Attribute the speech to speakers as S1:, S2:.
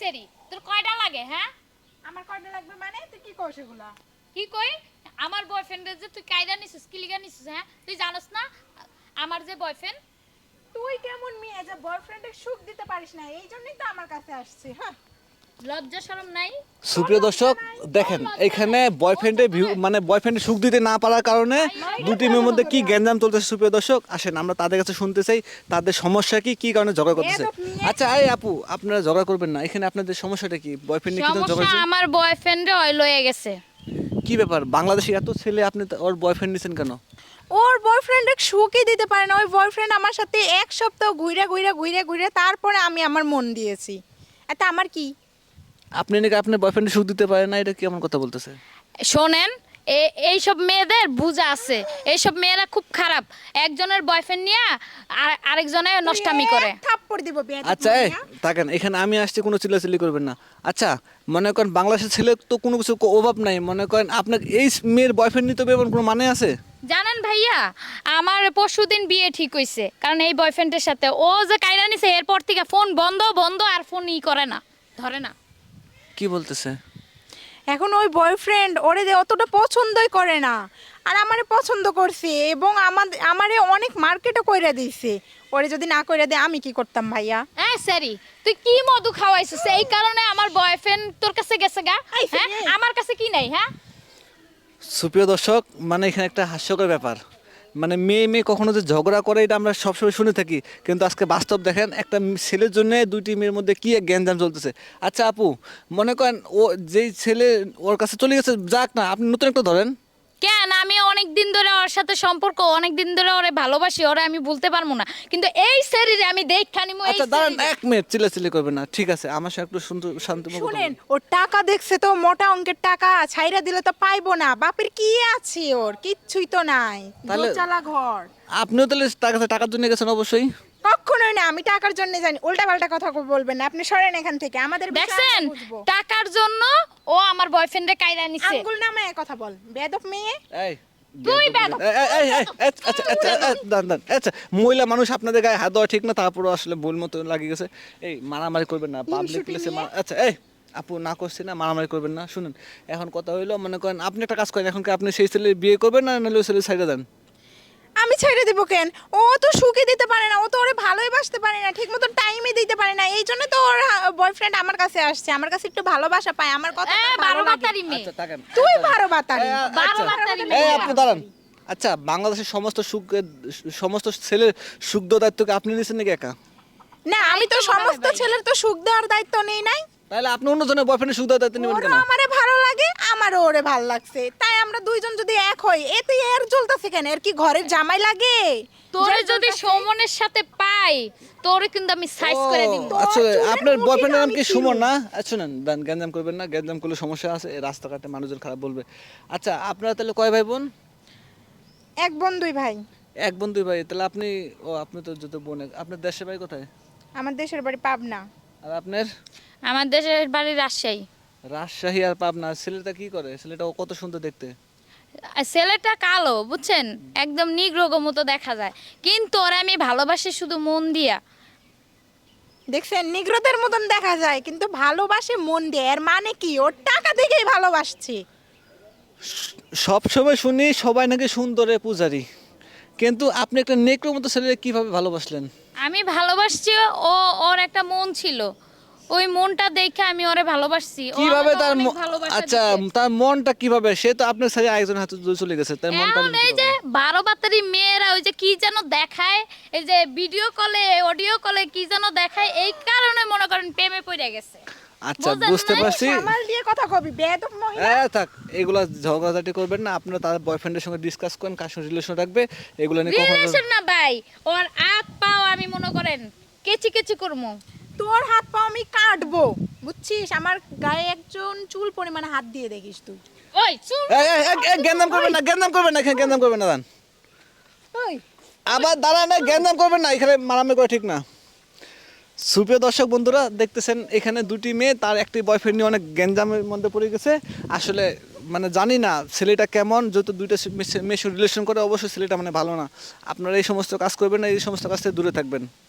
S1: সেরি তোর কয়টা লাগে হ্যাঁ?
S2: আমার কয়টা লাগবে মানে তুই কি কইছ এগুলা?
S1: কি কই? আমার বয়ফ্রেন্ডের যে তুই কায়দা নিছিস কি লিগা নিছিস হ্যাঁ? তুই জানোস না আমার যে বয়ফ্রেন্ড
S2: তুই কেমন মেয়ে যে বয়ফ্রেন্ডের সুখ দিতে পারিস না, এই জন্যই তো আমার কাছে আসছে। হ্যাঁ,
S1: লজ্জা শরম নাই?
S3: সুপ্রিয় দর্শক দেখেন এখানে বয়ফ্রেন্ডের মানে বয়ফ্রেন্ডের সুখ দিতে না পারার কারণে দুটি মেয়ের মধ্যে কি গ্যাঞ্জাম চলতেছে সুপ্রিয় দর্শক আসেন আমরা তাদের কাছে শুনতে চাই তাদের সমস্যা কি কি কারণে ঝগড়া করতেছে। আচ্ছা এই আপু আপনারা ঝগড়া করবেন না, এখানে আপনাদের সমস্যাটা কি? বয়ফ্রেন্ড নিয়ে কি ঝগড়া
S1: সমস্যা
S3: হচ্ছে?
S1: আমার বয়ফ্রেন্ডে ওই লয়ে গেছে।
S3: কি ব্যাপার বাংলাদেশে এত ছেলে আপনি ওর বয়ফ্রেন্ড নিছেন কেন?
S2: ওর বয়ফ্রেন্ডের সুখই দিতে পারে না। ওই বয়ফ্রেন্ড আমার সাথে এক সপ্তাহ ঘুরে তারপরে আমি আমার মন দিয়েছি। এটা আমার কি?
S3: আপনি নাকি আপনার বয়ফ্রেন্ডের সুখ দিতে পারেন না, এটা কি এমন কথা বলতেছে?
S1: শোনেন এইসব মেয়েদের বুঝা আছে, এইসব মেয়েরা খুব খারাপ। একজনের বয়ফ্রেন্ড নিয়ে আরেকজনের নষ্টামি করে।
S2: থাপ্পড় দিব বেয়াদব
S3: আচ্ছা এই
S2: মহিলা।
S3: থাকেন এখানে আমি আসছি কোনো চিল্লাচিল্লি করবেন না। আচ্ছা মনে করেন বাংলাদেশের ছেলে তো কোনো কিছু অভাব নাই, মনে করেন আপনার এই মেয়ের বয়ফ্রেন্ড নিতে হবে এমন কোনো মানে আছে?
S1: জানেন ভাইয়া আমার পরশুদিন বিয়ে ঠিক হইছে, কারণ এই বয়ফ্রেন্ডের সাথে ও যে কাইরা নিছে এরপর থেকে ফোন বন্ধ বন্ধ আর ফোন করে না, ধরে না।
S3: কি বলতেছে?
S2: এখন ওই বয়ফ্রেন্ড ওরে অতটা পছন্দই করে না, আর আমারে পছন্দ করছে এবং আমারে অনেক মার্কেটও কইরা দিয়েছে। ওরে যদি না কইরা দেয় আমি কি করতাম ভাইয়া?
S1: হ্যাঁ স্যারি তুই কি মধু খাওয়াইছিস এই কারণে আমার বয়ফ্রেন্ড তোর কাছে গেছে গা?
S2: এই
S1: হ্যাঁ
S2: সেরি।
S1: আমার কাছে কি নাই? হ্যাঁ
S3: সুপ্রিয় দর্শক মানে এখানে একটা হাস্যকর ব্যাপার, মানে মেয়ে মেয়ে কখনো যে ঝগড়া করে এটা আমরা সবসময় শুনে থাকি, কিন্তু আজকে বাস্তব দেখেন একটা ছেলের জন্য দুইটি মেয়ের মধ্যে কি এক গ্যাঞ্জাম চলতেছে। আচ্ছা আপু মনে করেন ও যেই ছেলে ওর কাছে চলে গেছে যাক না, আপনি নতুন একটা ধরেন।
S1: কেন আমি অনেক দিন ধরে ওর সাথে সম্পর্ক, অনেক দিন ধরে ওরে ভালোবাসি, ওরে আমি বলতে পারবো না, কিন্তু এই শরীরে আমি দেখা নিমু। এই
S3: আচ্ছা দাঁড়ান
S1: শরীরে।
S3: এক মিনিট চিল্লাচিল্লি করবেন না, ঠিক আছে আমার সাথে একটু শান্ত
S2: শুনেন, ওর টাকা দেখছে তো, মোটা অঙ্কের টাকা, ছাইরা দিলে তো পাইবো না। বাপের কি আছে? ওর কিচ্ছুই তো নাই,
S3: তাহলে-
S2: দোচালা ঘর।
S3: আপনিও তাহলে তার কাছে টাকার জন্য গেছেন? অবশ্যই।
S2: কখনোই না, আমি টাকার জন্য জানি। উল্টা পাল্টা কথা বলবেন না, আপনি সরেন এখান থেকে। আমাদের বিষয়
S1: দেখছেন
S2: আমরা বুঝবো।
S1: টাকার জন্য ও আমার বয়ফ্রেন্ডে কাইরা নিছে।
S2: আঙ্গুল নামায় কথা বল, বেয়াদব মেয়ে।
S3: এই
S1: তুই বেয়াদব।
S3: আচ্ছা আচ্ছা আচ্ছা দাঁড়ান দাঁড়ান আচ্ছা মহিলা মানুষ আপনাদের গায়ে হাত দেওয়া ঠিক না, তারপরও আসলে ভুল মতো লাগিয়ে গেছে। এই মারামারি করবেন না পাবলিক প্লেসে। আচ্ছা এই আপু না করছি না, মারামারি করবেন না। শুনুন এখন কথা হইলো মনে করেন আপনি একটা কাজ করেন, এখন কি আপনি সেই ছেলে বিয়ে করবেন না নাহলে ওই ছেলে সাইডে দেন?
S2: আমি ছেড়ে দিব কেন? ও তো সুখে দিতে পারে না, ও তো ওরে ভালোই বাসতে পারে না, ঠিক মতো টাইমে দিতে পারে না। এই জন্য তো ওর বয়ফ্রেন্ড আমার কাছে আসছে, আমার কাছে একটু ভালোবাসা পায়, আমার কথা
S1: এ,
S2: তার ভালো
S1: বারো
S2: লাগে।
S1: বাতারি মেয়ে।
S3: আচ্ছা থাকেন।
S2: তুই ভালো বাতারি।
S1: বারো বাতারি
S3: এই
S1: মেয়ে।
S3: আপনি দাঁড়ান। আচ্ছা বাংলাদেশের সমস্ত ছেলের সুখ দেওয়ার দায়িত্ব কি আপনি নিয়েছেন নাকি একা?
S2: না, আমি তো সমস্ত ছেলের তো সুখ দেওয়ার দায়িত্ব নেই নাই।
S3: তাহলে আপনি অন্যজনের বয়ফ্রেন্ডের সুখ দেওয়ার দায়িত্ব নেবেন
S2: ওরও
S3: কেন?
S2: আমারে ভালো লাগে, আমারও ওরে ভালো লাগছে, তাই আমরা দুইজন যদি এক হই, এতে এর জ্বলতেছে কেন? এর কি ঘরের জামাই লাগে?
S1: তোরে
S2: যার
S1: যদি
S2: জ্বলতাছে।
S1: সৌমনের সাথে পাই তোরে কিন্তু আমি সাইজ করে দিব।
S3: ও, আচ্ছা
S2: চুলের
S3: আপনার
S2: মুঠিটা
S3: বয়ফ্রেন্ডের নাম
S2: আমি
S3: কি
S2: চিনি।
S3: সুমন না? আচ্ছা শুনেন গ্যাঞ্জাম করবেন না, গ্যাঞ্জাম করলে সমস্যা আছে, এই রাস্তাঘাটে মানুষজন খারাপ বলবে। আচ্ছা আপনারা তাহলে কয় ভাই বোন?
S2: এক বোন দুই ভাই।
S3: এক বোন দুই ভাই, তাহলে আপনি তো যত বোন আপনার দেশের বাড়ি কোথায়?
S2: আমার দেশের বাড়ি পাবনা।
S3: আর আপনার?
S1: আমার দেশের বাড়ি রাজশাহী।
S3: রাজশাহী। আর পাবনা। ছেলেটা কি করে? ছেলেটা ও কত সুন্দর দেখতে।
S1: আর ছেলেটা কালো বুঝছেন, একদম নিগ্রোগো মতো দেখা যায়, কিন্তু ওরে আমি ভালোবাসি শুধু মন দিয়া।
S2: দেখছেন, নিগ্রোদের মতন দেখা যায় কিন্তু ভালোবাসে মন দিয়ে। এর মানে কি? ওর টাকা দেখেই ভালোবাসছে।
S3: সব সময় শুনি সবাই নাকি সুন্দরে পূজারি, কিন্তু আপনি একটা নেকড়ের মতো ছেলে কিভাবে ভালোবাসলেন?
S1: আমি ভালোবাসছি, ওর একটা মন ছিল, ওই মনটা দেখে আমি ওরে ভালোবাসছি। ও
S3: কিভাবে
S1: আমাকে
S3: তার
S1: অনেক ভালোবাসা
S3: আচ্ছা
S1: দিছে।
S3: তার মনটা কিভাবে? সে তো আপনার সাথে আরেকজন হাতে চলে গেছে, তার মনটা
S1: এখন এই যে 12 বাতারি মেয়েরা ওই যে কি যেন দেখায়, এই যে ভিডিও কলে অডিও কলে কি যেন দেখায়, এই কারণে মনে করেন প্রেমে পড়ে গেছে।
S3: আচ্ছা
S1: বুঝলেন
S3: বুঝতে
S1: না?
S3: পারছি।
S2: সামাল দিয়ে কথা কবি, বেয়াদব মহিলা।
S3: থাক এগুলা ঝগড়াঝাটি করবেন না, আপনারা তার বয়ফ্রেন্ডের সঙ্গে ডিসকাস করেন কার সঙ্গে রিলেশন রাখবে, এগুলো নিয়ে কখনো।
S1: রিলেশন না ভাই, ওর হাত পাও আমি মনে করেন কেচি কেচি করবো।
S2: তোর হাত পা আমি কাটবো, বুঝছিস? আমার গায়ে একজন চুল পরিমাণে হাত দিয়ে দেখিস তুই।
S1: ওই চুপ।
S3: গ্যান্দাম করবেন না, গ্যান্দাম করবেন না, এখানে গ্যান্দাম করবেন না। দাঁড়ান
S2: ওই
S3: আবার দাঁড়ান, গ্যান্দাম করবেন না, এখানে মারামারি করা ঠিক না। সুপ্রিয় দর্শক বন্ধুরা দেখতেছেন এখানে দুটি মেয়ে, তার একটি বয়ফ্রেন্ড নিয়ে অনেক গ্যাঞ্জামের মধ্যে পড়ে গেছে। আসলে মানে জানি না ছেলেটা কেমন, যেহেতু দুইটা মেয়ের রিলেশন করে অবশ্যই ছেলেটা মানে ভালো না। আপনারা এই সমস্ত কাজ করবেন না, এই সমস্ত কাজ থেকে দূরে থাকবেন।